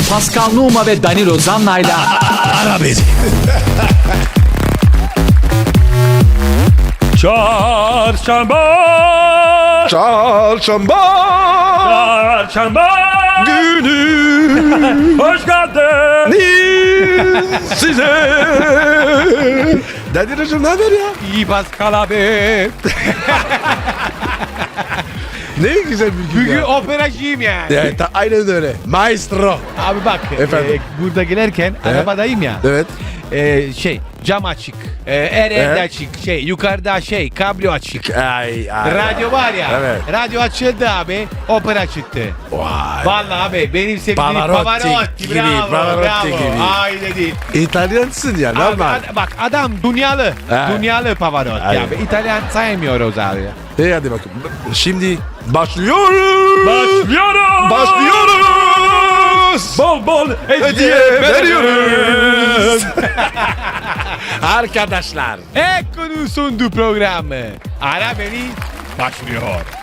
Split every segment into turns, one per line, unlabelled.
Pascal Numa ve Danilo Zanna'yla
Ara beni.
Çarşamba.
Çarşamba
Çarşamba.
günü
Hoş geldin.
size. Danilo'cum ne haber ya?
İyi Pascal abi.
Ne güzel bir gün
Bugün
ya.
operacıyım ya.
Evet, aynen öyle. Maestro.
Abi bak
Efendim?
burada gelirken arabadayım ya.
Evet.
Cam açık. Her yerde
Evet.
açık. Yukarıda kablo açık.
Ay.
Radyo var ya.
Evet.
Radyo açıldı abi. Opera çıktı.
Vay.
Vallahi abi benim sevdiğim
Pavarotti
Pavarotti.
gibi,
Bravo.
Pavarotti
Bravo.
gibi.
Aynen değil.
İtalyansın ya.
Abi,
Normal.
bak adam dünyalı.
Ha.
Dünyalı Pavarotti
Aynen.
abi. İtalyan saymıyoruz abi.
Hadi bakın. Şimdi başlıyoruz.
Başlıyorum.
Başlıyoruz.
Bol bol
Hediye veriyoruz. Arkadaşlar.
Ekko'nun sunduğu programı. Ara beni başlıyor.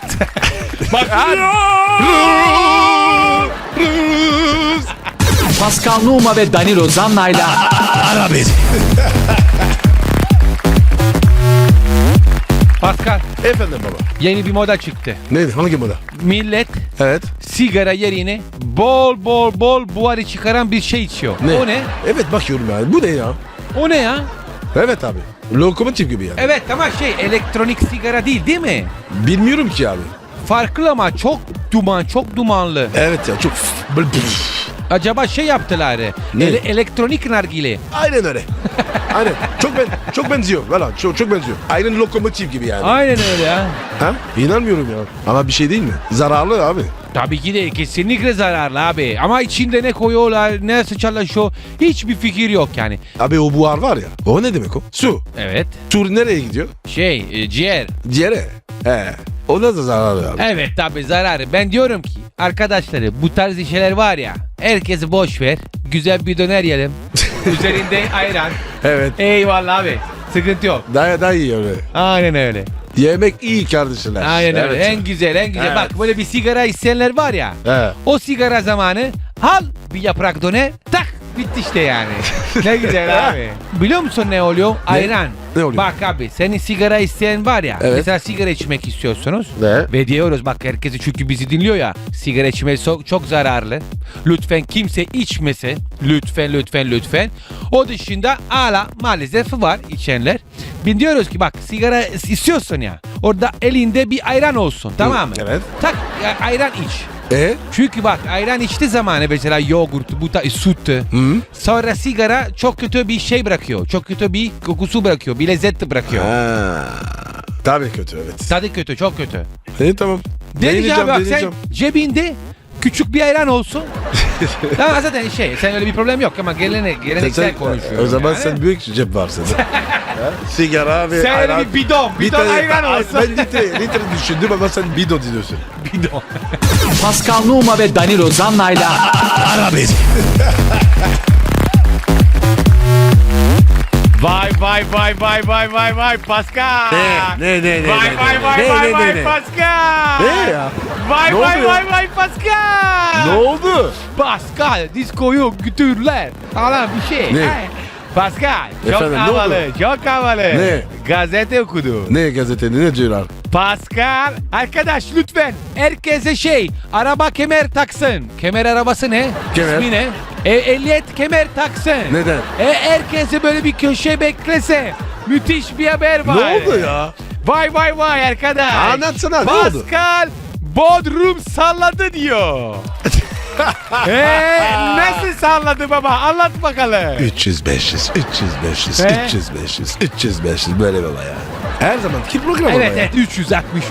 Rus.
Pascal Numa ve Danilo Zanna'yla
Ara beni.
Pascal,
Efendim baba.
yeni bir moda çıktı.
Neydi? Hangi moda?
Millet
Evet.
sigara yerine bol buharı çıkaran bir şey içiyor.
Ne?
O ne?
Evet bakıyorum ya. Bu ne ya?
O ne ya?
Evet abi. Lokomotif gibi yani.
Evet ama elektronik sigara değil mi?
Bilmiyorum ki abi.
Farklı ama çok dumanlı.
Evet ya çok böyle
Acaba yaptılar.
Ne?
Elektronik nargile.
Aynen öyle. Aynen. Çok benziyor. Valla çok benziyor. Aynen lokomotif gibi yani.
Aynen öyle ya.
Ha? İnanmıyorum ya. Ama bir şey değil mi? Zararlı abi.
Tabii ki de kesinlikle zararlı abi. Ama içinde ne koyuyorlar, nasıl çalışıyor hiçbir fikir yok yani.
Abi o buhar var ya. O ne demek o? Su.
Evet.
Su nereye gidiyor?
Ciğer.
Ciğere. He. O da zararlı abi.
Evet tabii zararı. Ben diyorum ki arkadaşları bu tarz şeyler var ya herkesi boş ver. Güzel bir döner yiyelim. Üzerinde ayran.
Evet.
Eyvallah abi. Sıkıntı yok.
Daha iyi öyle.
Aynen öyle.
Yemek iyi kardeşler.
Aynen öyle.
Evet.
En güzel.
Evet.
Bak böyle bir sigara isteyenler var ya.
He.
O sigara zamanı al bir yaprak döner tak bitti işte yani. Ne güzel abi. Biliyor musun ne oluyor? Ayran.
Ne oluyor?
Bak abi senin sigara isteyen var ya.
Evet.
Mesela sigara içmek istiyorsunuz.
Ne?
Ve diyoruz bak herkesi çünkü bizi dinliyor ya. Sigara içmek çok zararlı. Lütfen kimse içmese. Lütfen. O dışında hala maalesef var içenler. Biz diyoruz ki bak sigara istiyorsun ya. Orada elinde bir ayran olsun tamam mı?
Evet.
Tak ayran iç. Çünkü bak ayran içtiği zamanı mesela yoğurt, süt. Sonra sigara çok kötü bir şey bırakıyor. Çok kötü bir kokusu bırakıyor. Bir lezzet bırakıyor.
Ha. Tabii kötü evet.
Tadı kötü, çok kötü.
Tamam.
Dedi ki abi bak sen
deneyeceğim.
cebinde küçük bir ayran olsun. Tamam zaten sen öyle bir problem yok ama geleneksel konuşuyoruz.
O zaman
yani.
sen büyük cep varsın. Sigara ve
Sen öyle
ayran.
bir bidon ayran olsun.
Ben litre düşündüm ama sen bidon diyorsun.
Bidon.
Pascal Numa ve Danilo Zanna'yla
Ara beni.
Vay Pascal.
Ne?
Vay Pascal.
Ne ya?
Vay
Ne oldu ya?
vay Pascal.
Ne oldu?
Pascal diskoyu götürürler. Falan bir şey.
Ne?
Ay. Pascal çok
Efendim, ne
havalı,
oldu?
çok havalı.
Ne?
Gazete okudu.
Ne gazetede ne diyorlar?
Pascal, arkadaş lütfen herkese araba kemer taksın. Kemer arabası ne?
Kemer.
İsmi ne? Ehliyet kemer taksın.
Neden?
Herkese böyle bir köşe beklese. Müthiş bir haber var.
Ne oldu ya?
Vay arkadaş.
Anlatsana, ne oldu?
Pascal Bodrum salladı diyor. Nasıl salladı baba? Anlat bakalım.
300 500
He?
300 böyle baba ya. Her zamanki program ama
Evet
ya.
360.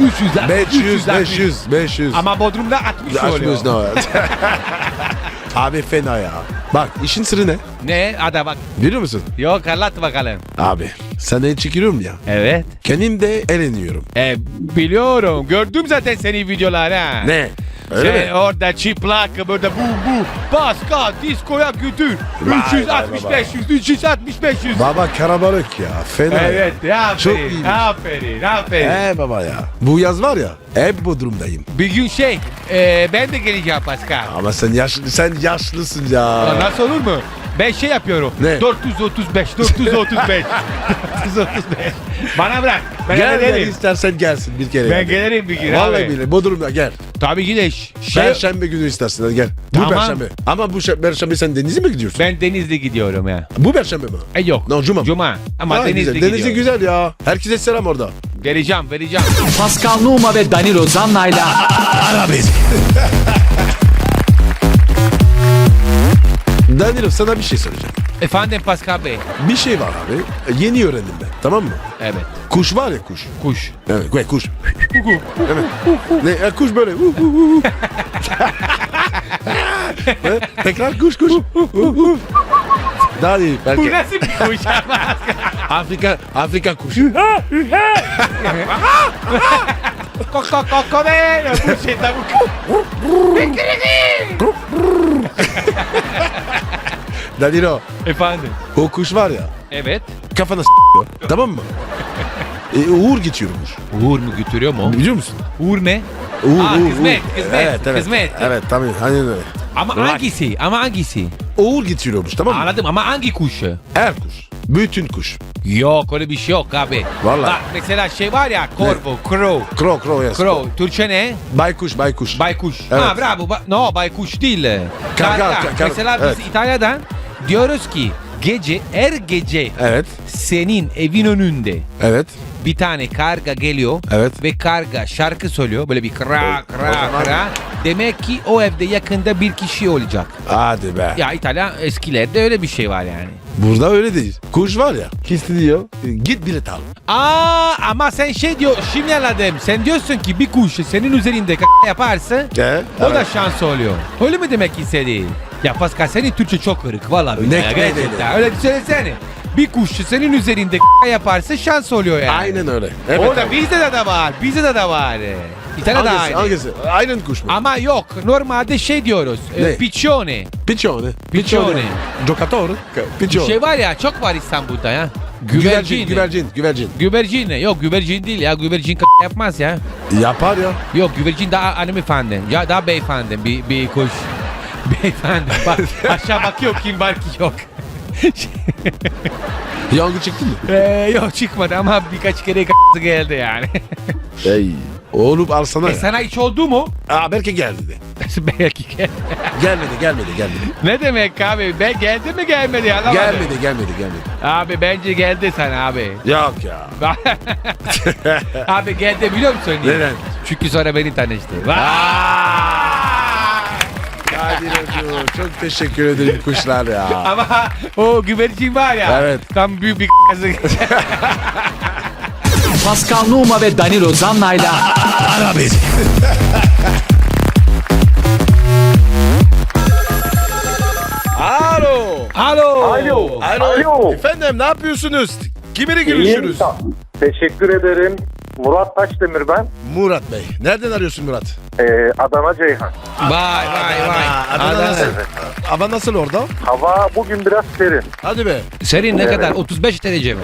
500.
Ama Bodrum'da 60 oluyor.
Açmıyoruz ne o ya? Abi fena ya. Bak işin sırrı ne?
Ne? Hadi bak.
Biliyor musun?
Yok anlat bakalım.
Abi sana el çekiyorum ya.
Evet.
Kendim de eğleniyorum.
Biliyorum. Gördüm zaten senin videoları ha.
Ne? Öyle
Sen
mi?
orada çıplak böyle bu Pascal diskoya götür.
Vay,
360
vay,
500 360 500.
Baba karabalık ya. Fena.
Evet ya,
Çok
aferin,
iyiymiş.
aferin.
Baba ya. Bu yaz var ya. Hep bu durumdayım.
Bir gün ben de geleceğim Pascal.
Ama sen yaşlısın ya.
Ya nasıl olur mu? Ben şey yapıyorum.
Ne?
435. 435. Bana bırak. Ben
Gel
hallederim.
istersen gelsin bir kere.
Ben
yani.
gelirim bir gün
Vallahi
abi.
billahi Bodrum'da gel.
Tabii ki de
Perşembe günü istersin hadi gel.
Tamam.
Bu perşembe. Ama bu perşembe sen denize mi gidiyorsun?
ben Denizli gidiyorum ya.
Bu perşembe mi?
Yok.
No, cuma.
Cuma. Ama
Ha,
Denizli
güzel.
gidiyorum.
Denizli güzel ya. Herkese selam orada.
Vereceğim.
Pascal Numa ve Danilo Zanna'yla
Arabesk. Danilo sana bir şey soracağım.
Efendim Pascal Bey.
Bir şey var abi. Yeni öğrendim ben. Tamam mı?
Evet.
Kuş var ya kuş.
Kuş.
Evet kuş. Evet. Ne kuş böyle. Ne? Tekrar kuş. Daha iyi
Bu
belki.
nasıl bir kuş?
Afrika kuşu.
Koko be. Bu şey tavuk.
Danilo
Efendim.
o kuş var ya
Evet.
kafana s***yor. Tamam mı? Uğur geçiyormuş.
Uğur mu götürüyor mu?
Biliyor musun?
Uğur ne?
Uğur,
kısmet.
Evet.
Kısmet.
Evet tamam. Hani öyle.
Ama hangisi?
Uğur getiriyormuş tamam mı?
Anladım ama hangi kuş?
Her kuş. Bütün kuş.
Yok öyle bir şey yok abi.
Vallahi.
Bak mesela şey var ya corvo, crow.
Crow yes.
Crow. Türkçe ne?
Baykuş.
Baykuş.
Evet.
Ha bravo. No baykuş değil.
Karga.
Mesela biz
Evet.
İtalya'dan diyoruz ki her gece
Evet.
senin evin önünde
Evet.
bir tane karga geliyor
Evet.
ve karga şarkı söylüyor böyle bir kra
O zaman-
kra. Demek ki o evde yakında bir kişi olacak.
Hadi be.
Ya İtalya eskilerde öyle bir şey var yani.
Burada öyle değil. Kuş var ya. Kisti diyor. Git bilet al.
Ama sen şey diyor şimdi anladım. Sen diyorsun ki bir kuş senin üzerinde yaparsa o da şans oluyor. Öyle mi demek istediğin? Ya Pascal senin Türkçe çok kırık valla.
Ne
gerçekten. Öyle söylesene. Bir kuş senin üzerinde yaparsa şans oluyor yani.
Aynen öyle. Evet,
Orada
evet.
bizde de var. İtalya'da aynı.
Hangisi? Aynen kuş mu?
Ama yok normalde şey diyoruz.
Ne?
Piccione.
Piccione.
Piccione.
Giocatore.
Bir
Piccione.
şey var ya çok var İstanbul'da ya.
Güvercin.
Güvercin ne? Yok güvercin değil ya. Güvercin yapmaz ya.
Yapar ya.
Yok güvercin daha hanımefendi. Ya daha beyefendi bir kuş. Beyefendi. Bak aşağı bakıyor kim var ki yok.
Yangın çıktı mı?
Yok çıkmadı ama birkaç kere geldi yani.
Ey. Oğlum alsana ya.
Sana hiç oldu mu?
Belki geldi de.
Belki
Gelmedi.
Ne demek abi? Ben geldi mi gelmedi ya? Anlamadım.
Gelmedi.
Abi bence geldi sana abi.
Yok ya.
Abi geldi biliyor musun? niye?
Neden?
Çünkü sonra beni tanıştı.
Kadir Hoca çok teşekkür ederim kuşlar ya.
Ama o güvercin var ya.
Evet.
Tam büyük bir
Pascal Numa ve Danilo Zanna'yla
Arabesk. Alo.
Alo.
Efendim ne yapıyorsunuz? Kiminle
İyiyim.
görüşürüz?
Teşekkür ederim. Murat Taşdemir ben.
Murat Bey. Nereden arıyorsun Murat?
Adana Ceyhan.
Vay.
Adana nasıl? Hava nasıl orada?
Hava bugün biraz serin.
Hadi be.
Senin ne kadar? 35 derece mi?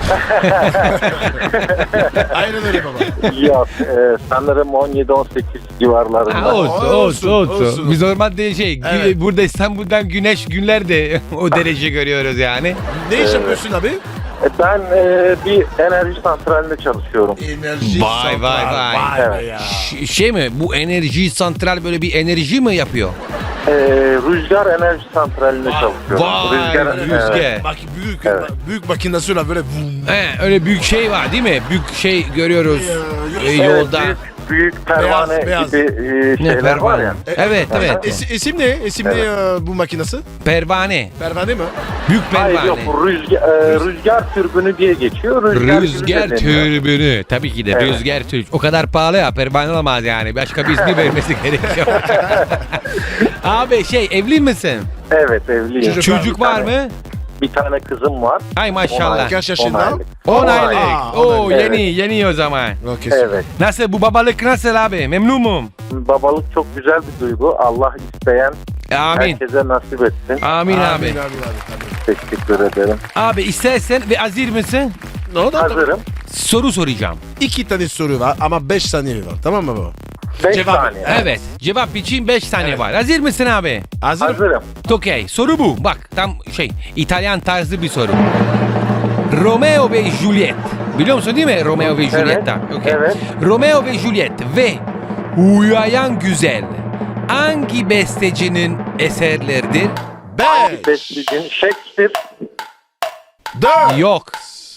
Aynen öyle baba.
Ya sanırım 17-18 civarlarında.
Olsun.
Biz normalde
Evet.
burada İstanbul'dan güneş günlerde o derece görüyoruz yani.
Ne iş yapıyorsun abi?
Ben bir enerji santralinde çalışıyorum.
Enerji
Vay.
Evet.
be ya.
Şey mi? Bu enerji santral böyle bir enerji mi yapıyor?
Rüzgar enerji santralinde çalışıyorum.
Rüzgar.
evet.
Bak
Evet.
büyük makinasıyla böyle vum.
Öyle büyük şey var değil mi? Büyük şey görüyoruz yolda.
Evet, büyük pervane
Beyaz.
gibi şeyler var ya.
Evet.
İsim ne? İsim ne bu makinesi?
Pervane.
Pervane mi?
Büyük
Hayır
pervane.
yok rüzgar türbünü diye geçiyor.
Rüzgar
türbünü deniyor.
türbünü. Tabii ki de
Evet.
rüzgar türbünü. O kadar pahalı ya pervane olamaz yani. Başka bir ismi vermesi gerekiyor. Abi evli misin?
Evet evliyim.
Çocuk
Çocuk var mı?
Bir tane kızım var.
Ay maşallah.
Kaç yaşında?
10 aylık.
10
10
aylık.
Aa,
Oo
10 aylık.
yeni o zaman.
Okey, süper.
Evet.
Nasıl bu babalık nasıl abi? Memnunum.
Babalık çok güzel bir duygu. Allah isteyen
Amin.
herkese nasip etsin.
Amin abi.
Amin.
Teşekkür ederim.
Abi istersen ve hazır mısın?
Ne oldu?
Hazırım.
Soru soracağım.
2 tane soru var ama 5 saniye var. Tamam mı baba?
5
Cevap-
saniye.
Evet. Cevap için 5 saniye
Evet.
var. Hazır mısın abi?
Hazır.
Hazırım.
Okey. Soru bu. Bak tam İtalyan tarzı bir soru. Romeo ve Juliet. Biliyor musun değil mi Romeo ve Juliet'ten? Okey.
evet.
Romeo ve Juliet ve Uyuyan Güzel hangi bestecinin eserleridir?
5,
Bestecinin Shakespeare.
4,
Yok.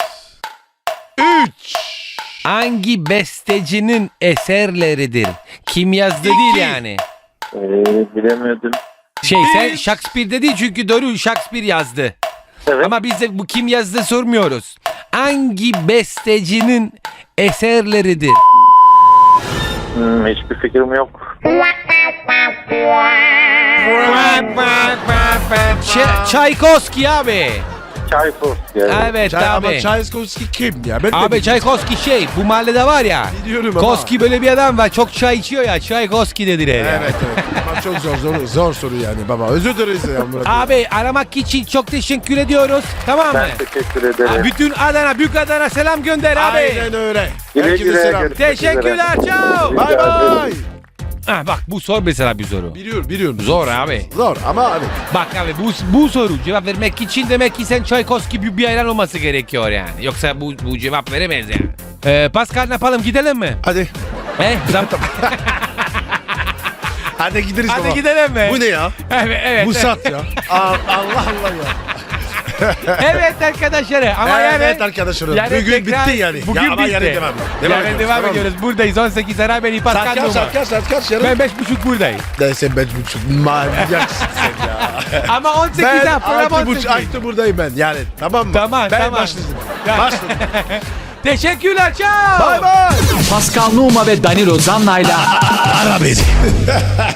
3,
Hangi bestecinin eserleridir? Kim yazdı değil yani.
Bilemiyordum.
Sen
Bir.
Shakespeare dedi çünkü doğru Shakespeare yazdı.
Evet.
Ama biz de bu kim yazdı sormuyoruz. Hangi bestecinin eserleridir?
Hiçbir fikrim yok.
Çaykovski abi.
Tchaikovsky.
Evet
Ama
abi.
Tchaikovsky kim ya? Ben de
Abi Çaykovski bu mahallede var ya.
biliyorum ama.
Koski böyle bir adam var. Çok çay içiyor ya. Çaykovski dediler ya.
Evet. Ama çok zor soru yani baba. Özür dileriz ya Murat.
Abi aramak için çok teşekkür ediyoruz. Tamam mı?
Ben teşekkür ederim.
Bütün Adana, Büyük Adana selam gönder abi.
Aynen öyle.
Güle
Herkese
güle,
selam.
görüşmek
Teşekkürler.
üzere.
Ciao.
Bye bye.
Bak bu sor mesela bir soru.
Biliyorum.
Zor abi.
Zor ama abi.
Bak abi bu soru cevap vermek için demek ki sen Çaykovski bir hayran olması gerekiyor yani. Yoksa bu cevap veremez yani. Pascal ne yapalım gidelim mi?
Hadi. Hadi gideriz baba.
Hadi gidelim mi?
Bu ne ya?
Evet.
Bu sat ya. Allah Allah ya.
Evet arkadaşlar ama
Evet arkadaşlar. Bugün bitti yani.
Bugün
ya, ama
bitti.
yarın devam.
Yarın
ediyoruz,
devam
tamam mı?
ediyoruz. Buradayız 18 ara beni Pascal
Saat
Numa.
kaç yarın?
Ben 5.30 buradayım.
Neyse 5.30. Manyaksın sen ya.
Ama 18'de
Ben
program 18.
6.30 buradayım ben yani. Tamam mı?
Tamam,
ben
tamam.
başladım.
Ya.
Başladım.
Teşekkürler ciao.
Bye bye.
Pascal Numa ve Danilo Zanna'yla
Ara beni.